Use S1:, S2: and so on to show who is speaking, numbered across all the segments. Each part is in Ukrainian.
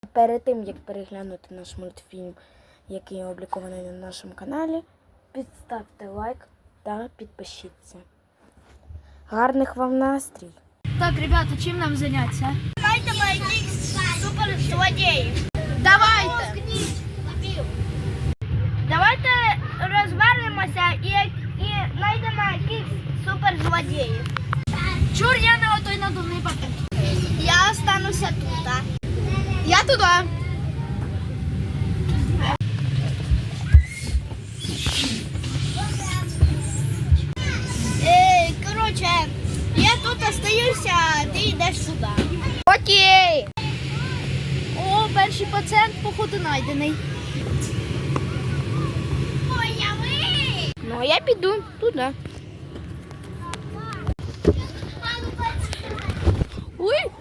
S1: Перед тим, як переглянути наш мультфільм, який опублікований на нашому каналі, підставте лайк та підпишіться. Гарних вам настрій!
S2: Так, ребята, чим нам зайнятися?
S3: Давайте знайти суперзлодіїв.
S2: Давайте!
S3: Давайте розвернемося і знайдемо якихось суперзлодіїв.
S2: Чур, я не отой надувний пакет.
S3: Я остануся тут.
S2: Я туди.
S3: Коротше, я тут остаюся, а ти йдеш сюди.
S2: Окей. О, перший пацієнт, походу, знайдений.
S3: Появи!
S1: Ну, а я піду туди.
S2: Ой.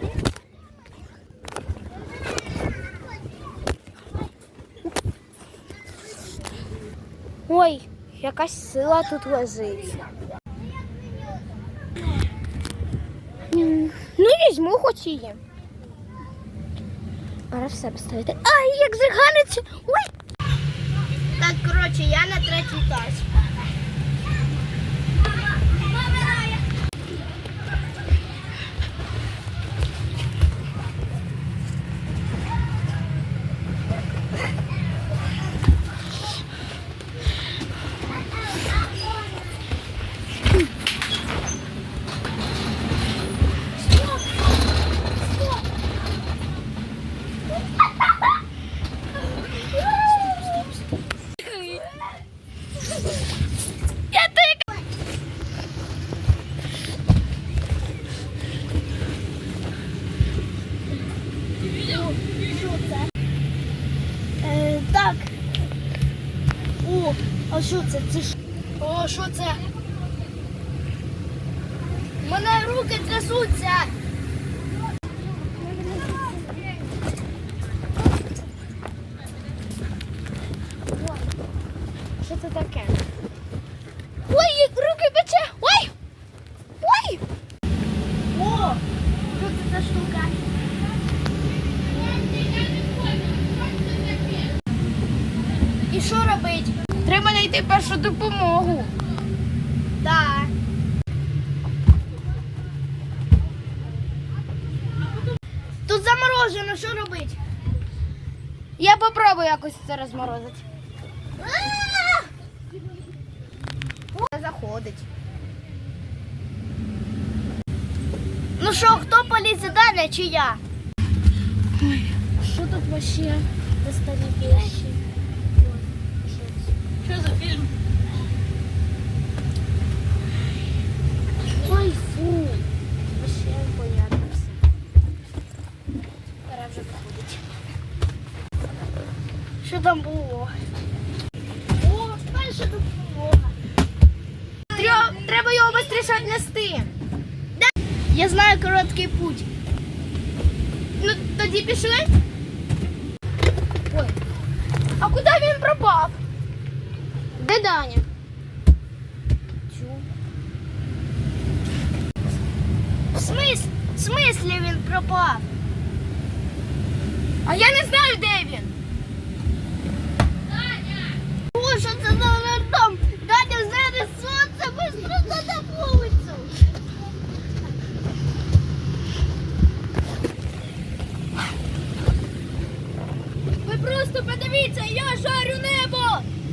S1: Ой, якась сила тут лежить. Ну, візьму хоч її. Пора все поставити. Ай, як заганиться! Ой!
S3: Так, коротше, я на третій етаж. Так. О, а що це? Це ж...
S2: О, що це?
S3: У мене руки трясуться.
S1: Що це таке?
S2: Ой, руки пече. Ой! Ой!
S3: О, що це за штука? І що робить?
S2: Треба знайти першу допомогу.
S3: Так. Тут заморожено, що робить?
S2: Я попробую якось це розморозити.
S3: Не заходить. Ну що, хто полізе далі, чи я?
S1: Що тут вообще за старі вещи?
S2: Що за фільм?
S1: Ой, фу. Вообще непонятно все. Пора вже виходить.
S3: Що там було? О, перша допомога.
S2: Треба його швидше віднести.
S3: Я знаю короткий путь.
S2: Ну, тоді пішли. Ой. А куди він пропав?
S1: Де Даня?
S3: В смислі він пропав?
S2: А я не знаю, де він.
S3: О, що це за рандом? Даня, зараз сонце, быстро на вулицю.
S2: Ви просто подивіться, я жарю небо.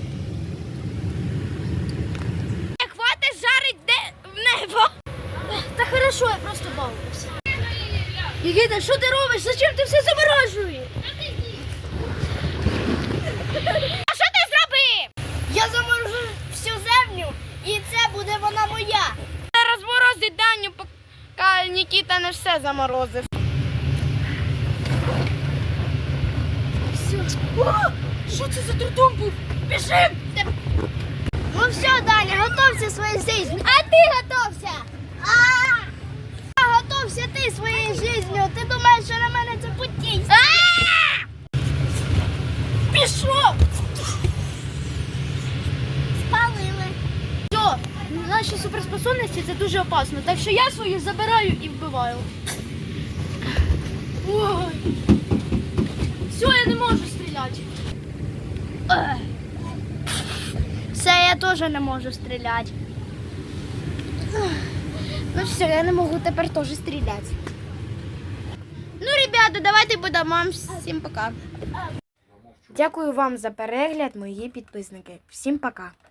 S2: Хватить жарить в небо.
S3: Та хорошо, я просто бавлюся.
S2: Єгита, що ти робиш? Зачем ти все заморожуєш? А що ти зробив?
S3: Я заморожу всю землю, і це буде вона моя.
S2: Розморозить Даню, поки Нікіта не все заморозив. О, що це за трудом був? Біжим!
S3: Ну все, Даня, готовся своєю життю.
S2: А ти готовся!
S3: Готовся ти своєю життю. Ти думаєш, що на мене це путій?
S2: Пішов!
S3: Спалили.
S2: Все, наші суперспособності це дуже опасно, так що я свою забираю і вбиваю. Ой. не можу стріляти.
S3: Все, я теж не можу стріляти. Ну все, я не можу тепер теж стріляти. Ну, ребята, давайте будемо. Всім пока.
S1: Дякую вам за перегляд, мої підписники. Всім пока!